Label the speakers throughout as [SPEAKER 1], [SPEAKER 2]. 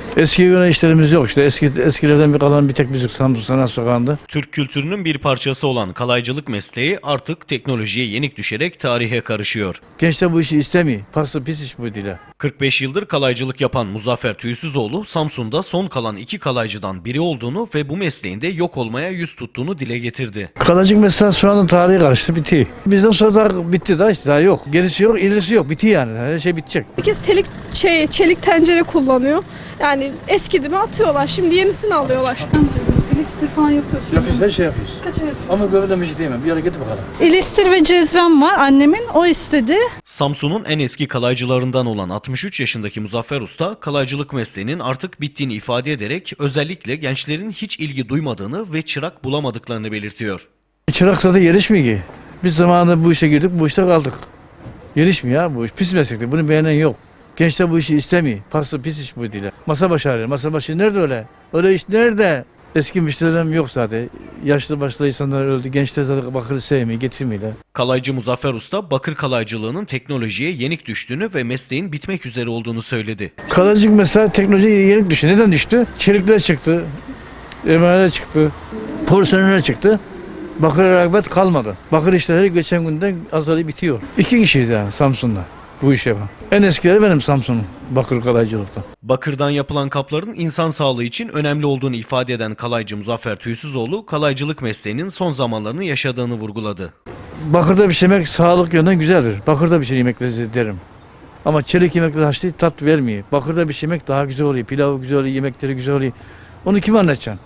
[SPEAKER 1] Eski göre işlerimiz yok işte. Eskilerden bir kalan bir tek müzik Samsun Sanat Sokağı'nda.
[SPEAKER 2] Türk kültürünün bir parçası olan kalaycılık mesleği artık teknolojiye yenik düşerek tarihe karışıyor.
[SPEAKER 1] Gençler bu işi istemiyor. Pası pis iş bu dile.
[SPEAKER 2] 45 yıldır kalaycılık yapan Muzaffer Tüysüzoğlu, Samsun'da son kalan 2 kalaycıdan biri olduğunu ve bu mesleğinde yok olmaya yüz tuttuğunu dile getirdi.
[SPEAKER 1] Kalacık mesela şu anda tarihi karıştı, bitti. Bizden sonra da bitti daha işte, daha yok. Gerisi yok, ilerisi yok. Bitti yani. Her şey bitecek.
[SPEAKER 3] Herkes çelik tencere kullanıyor. Yani eskidi mi atıyorlar. Şimdi yenisini alıyorlar.
[SPEAKER 4] İlistir falan yapıyorsun.
[SPEAKER 1] Yapıyoruz, her şey yapıyoruz.
[SPEAKER 4] Kaça yapıyorsun?
[SPEAKER 1] Ama böyle bir şey diyemem. Bir hareket bakalım.
[SPEAKER 4] İlistir ve cezvem var annemin. O istedi.
[SPEAKER 2] Samsun'un en eski kalaycılarından olan 63 yaşındaki Muzaffer Usta, kalaycılık mesleğinin artık bittiğini ifade ederek özellikle gençlerin hiç ilgi duymadığını ve çırak bulamadıklarını belirtiyor.
[SPEAKER 1] Çırak zaten yarışmıyor ki. Biz zamanında bu işe girdik, bu işte kaldık. Yarışmıyor ya bu iş. Pis meslektir. Bunu beğenen yok. Gençler bu işi istemiyor. Pası pis iş bu dile. Masa başı arıyor. Masa başı nerede öyle? Öyle iş nerede? Eski müşterilerim yok zaten. Yaşlı başlı insanlar öldü. Gençler zaten bakırı sevmiyor, getirmiyorlar.
[SPEAKER 2] Kalaycı Muzaffer Usta, bakır kalaycılığının teknolojiye yenik düştüğünü ve mesleğin bitmek üzere olduğunu söyledi.
[SPEAKER 1] Kalıcık mesela teknolojiye yenik düştü. Neden düştü? Çelikler çıktı. Emaneler çıktı. Porselenler çıktı. Bakır rağbet kalmadı. Bakır işleri geçen günden azali bitiyor. 2 kişiyiz yani Samsun'da bu işi yapan. En eskileri benim Samsun'un bakır kalaycılıkta.
[SPEAKER 2] Bakırdan yapılan kapların insan sağlığı için önemli olduğunu ifade eden kalaycı Muzaffer Tüysüzoğlu, kalaycılık mesleğinin son zamanlarını yaşadığını vurguladı.
[SPEAKER 1] Bakırda pişirmek sağlık yönden güzeldir. Bakırda pişir yemekleri derim. Ama çelik yemekler haşlı tat vermiyor. Bakırda pişirmek daha güzel oluyor. Pilavı güzel oluyor, yemekleri güzel oluyor. Onu kime anlatacaksın?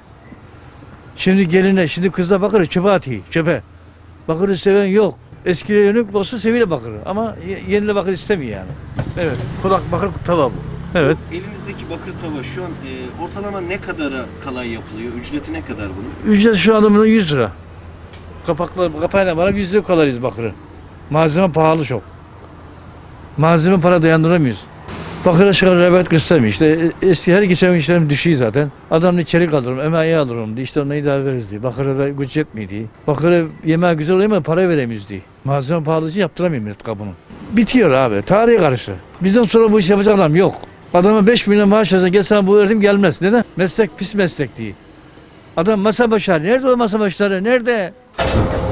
[SPEAKER 1] Şimdi geline, şimdi kızla bakırı çöpe atıyor, çöpe. Bakırı seven yok. Eskiye yönelik olsa seviyle bakırı ama yenile bakır istemiyor yani. Evet, kulak bakır tava bu. Evet.
[SPEAKER 5] Elinizdeki bakır tava şu an ortalama ne kadara kalay yapılıyor? Ücreti ne kadar bunun?
[SPEAKER 1] Ücret şu anda bunun 100 lira. Kapağıyla bana 100 lira kalırız bakırı. Malzeme pahalı çok. Malzeme para dayandıramıyoruz. Bakıra çıkar rağbet göstermiyor. İşte eski her geçen işlerim düşüyor zaten. Adamın içerik alırım, emeği alırım diye. İşte onu idare ederiz diye. Bakıra da güç yetmiyor diye. Bakıra yemeği güzel oluyor ama para veremiyoruz diye. Malzeme pahalı için yaptıramıyor millet kabını. Bitiyor abi. Tarihi karıştı. Bizden sonra bu iş yapacak adam yok. Adama 5 milyon maaş versen gel sana bu öğretim gelmez. Neden? Meslek pis meslek diye. Adam masa başları. Nerede o masa başları? Nerede?